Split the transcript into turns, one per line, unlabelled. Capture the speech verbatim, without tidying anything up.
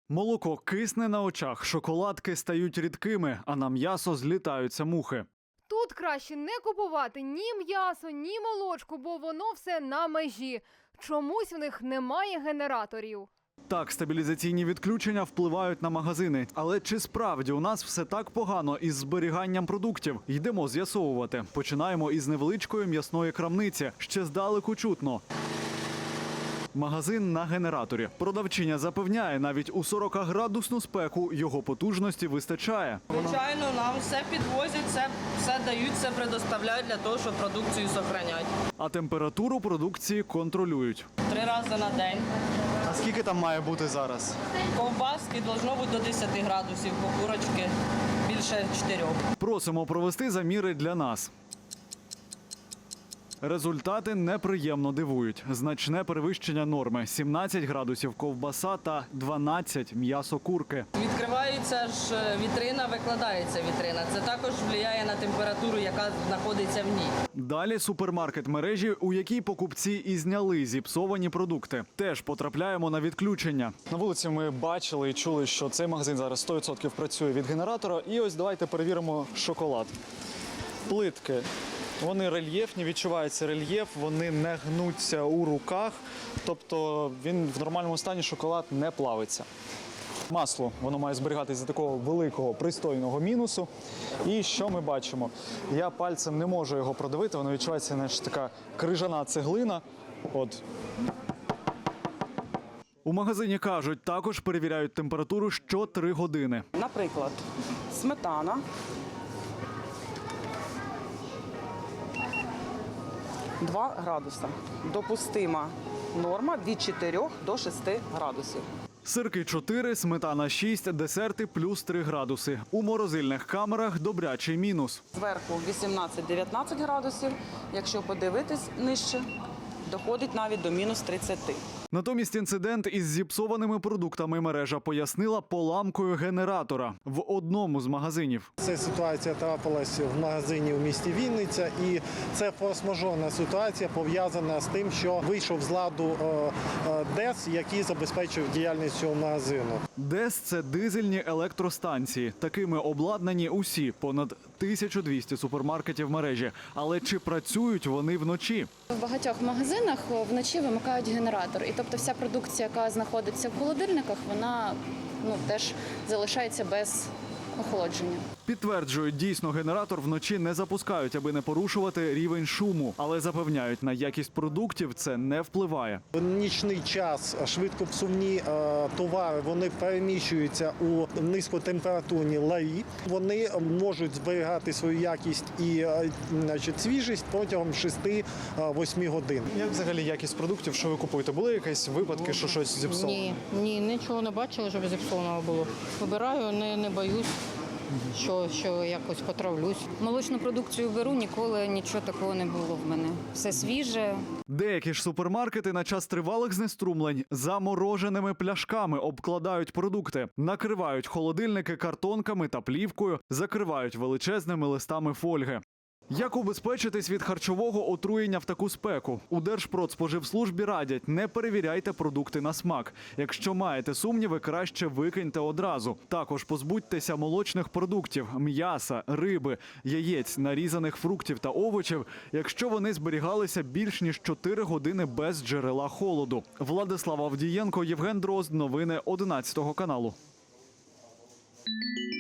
Молоко кисне на очах, шоколадки стають рідкими, а на м'ясо злітаються мухи.
Тут краще не купувати ні м'ясо, ні молочку, бо воно все на межі. Чомусь в них немає генераторів.
Так, стабілізаційні відключення впливають на магазини. Але чи справді у нас все так погано із зберіганням продуктів? Йдемо з'ясовувати. Починаємо із невеличкої м'ясної крамниці. Ще здалеку чутно. Магазин на генераторі. Продавчиня запевняє, навіть у сорокаградусну спеку його потужності вистачає.
Звичайно, нам все підвозять, все, все дають, все предоставляють для того, щоб продукцію зберігати.
А температуру продукції контролюють.
Три рази на день.
А скільки там має бути зараз?
Ковбаски должно бути до десяти градусів, курочки більше чотирьох.
Просимо провести заміри для нас. Результати неприємно дивують. Значне перевищення норми – сімнадцять градусів ковбаса та дванадцять м'ясо курки.
Відкривається ж вітрина, викладається вітрина. Це також впливає на температуру, яка знаходиться в ній.
Далі супермаркет мережі, у якій покупці і зняли зіпсовані продукти. Теж потрапляємо на відключення.
На вулиці ми бачили і чули, що цей магазин зараз сто відсотків працює від генератора. І ось давайте перевіримо шоколад. Плитки. Вони рельєфні, відчувається рельєф, вони не гнуться у руках. Тобто він в нормальному стані, шоколад не плавиться. Масло, воно має зберігатися за такого великого, пристойного мінусу. І що ми бачимо? Я пальцем не можу його продавити, воно відчувається, знаєш, така крижана цеглина. От.
У магазині кажуть, також перевіряють температуру що три години.
Наприклад, сметана. два градуси. Допустима норма від чотирьох до шести градусів.
Сирки чотири, сметана шість, десерти плюс три градуси. У морозильних камерах добрячий мінус.
Зверху вісімнадцять-дев'ятнадцять градусів. Якщо подивитись нижче, доходить навіть до мінус тридцяти.
Натомість інцидент із зіпсованими продуктами мережа пояснила поламкою генератора в одному з магазинів.
Ця ситуація трапилась в магазині у місті Вінниця, і це форс-мажорна ситуація пов'язана з тим, що вийшов з ладу ДЕС, який забезпечив діяльність цього магазину.
ДЕС – це дизельні електростанції. Такими обладнані усі понад тисяча двісті супермаркетів мережі. Але чи працюють вони вночі?
В багатьох магазинах вночі вимикають генератор. І тобто вся продукція, яка знаходиться в холодильниках, вона ну, теж залишається без охолодження.
Підтверджують, дійсно генератор вночі не запускають, аби не порушувати рівень шуму. Але запевняють, на якість продуктів це не впливає.
В нічний час швидкопсувні е, товари вони переміщуються у низькотемпературні ларі. Вони можуть зберігати свою якість і е, значить, свіжість протягом шести-восьми годин.
Як взагалі якість продуктів, що ви купуєте? Були якісь випадки, що щось зіпсовано?
Ні, ні, нічого не бачила, щоб зіпсованого було. Вибираю, не, не боюсь. Що, що якось потравлюсь.
Молочну продукцію беру, ніколи нічого такого не було в мене. Все свіже.
Деякі ж супермаркети на час тривалих знеструмлень замороженими пляшками обкладають продукти, накривають холодильники картонками та плівкою, закривають величезними листами фольги. Як убезпечитись від харчового отруєння в таку спеку? У Держпродспоживслужбі радять, не перевіряйте продукти на смак. Якщо маєте сумніви, краще викиньте одразу. Також позбудьтеся молочних продуктів, м'яса, риби, яєць, нарізаних фруктів та овочів, якщо вони зберігалися більш ніж чотири години без джерела холоду. Владислав Авдієнко, Євген Дрозд. Новини одинадцятого каналу.